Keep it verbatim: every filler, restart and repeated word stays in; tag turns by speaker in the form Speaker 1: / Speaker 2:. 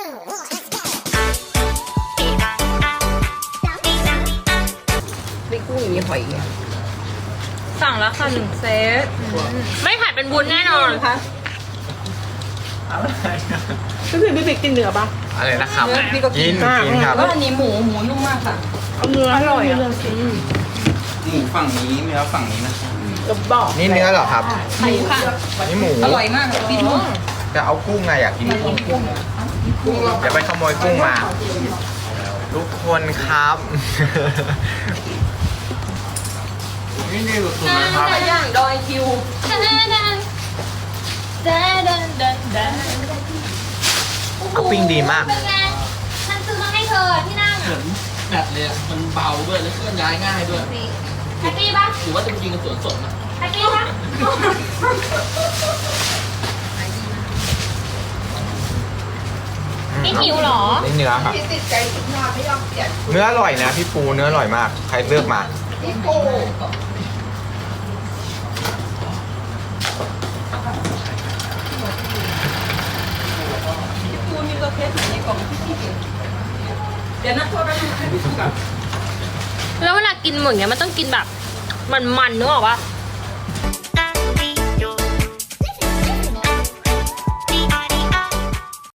Speaker 1: ไม่กุ้งอย่างนี้หอยอ่ะ
Speaker 2: สั่งแล้วค่ะหนึ่งเซตไม่ผัดเป็นวุ้นแน่นอนค่ะ
Speaker 1: พี่บิ๊กพี่บิ๊กกินเนื้อปะ
Speaker 3: อะไรนะครับ
Speaker 1: เนื้อพี่ก็กิ
Speaker 3: กิ
Speaker 1: น
Speaker 3: นกินครับ
Speaker 1: แล้วอันนี้หมูหมูนุ่มมากค่ะเอาเนื้ออร่อยอ่ะ
Speaker 4: หมูฝั่งนี้เนื้อฝั่งนี้นะครับ
Speaker 1: จะบอก
Speaker 3: นี่เนื้อเหรอครับ
Speaker 1: หมูค่ะ
Speaker 3: นี่หมู
Speaker 1: อร่อยมากพี่นุ่ม
Speaker 3: จะเอากุ้งไงอยากกินกุ้งอย่าไปขโมยกุ้งมาทุกคนครับ นี่นี่สุดๆนะครับ
Speaker 1: ไก่ย่างดอยคิว
Speaker 3: เอาปิ้งดีมาก
Speaker 2: เป็นไงฉันซื้อมาให้เธอที่นั่ง
Speaker 5: เหมือนแบตเลยอะมันเบาด้วยแล้วเคลื่อนย้ายง่ายด้วย
Speaker 2: แฮปปี้ปะ
Speaker 5: หรือว่าจะไปกินกับสวนสดนะ
Speaker 2: แฮปปี้ปะ นี่หิวเหรอ
Speaker 3: นี่เนื้อครับเนื้ออร่อยนะพี่ปูเนื้ออร่อยมาก ใครเลือกมา
Speaker 1: ปูมีตัวเพชรในกล่องที่พี่เห็นเดี๋ยวนะโทษนะให้พี่ดูกับ
Speaker 2: แล้วเวลากินหมึกเนี้ยมันต้องกินแบบมันๆนึกออกปะ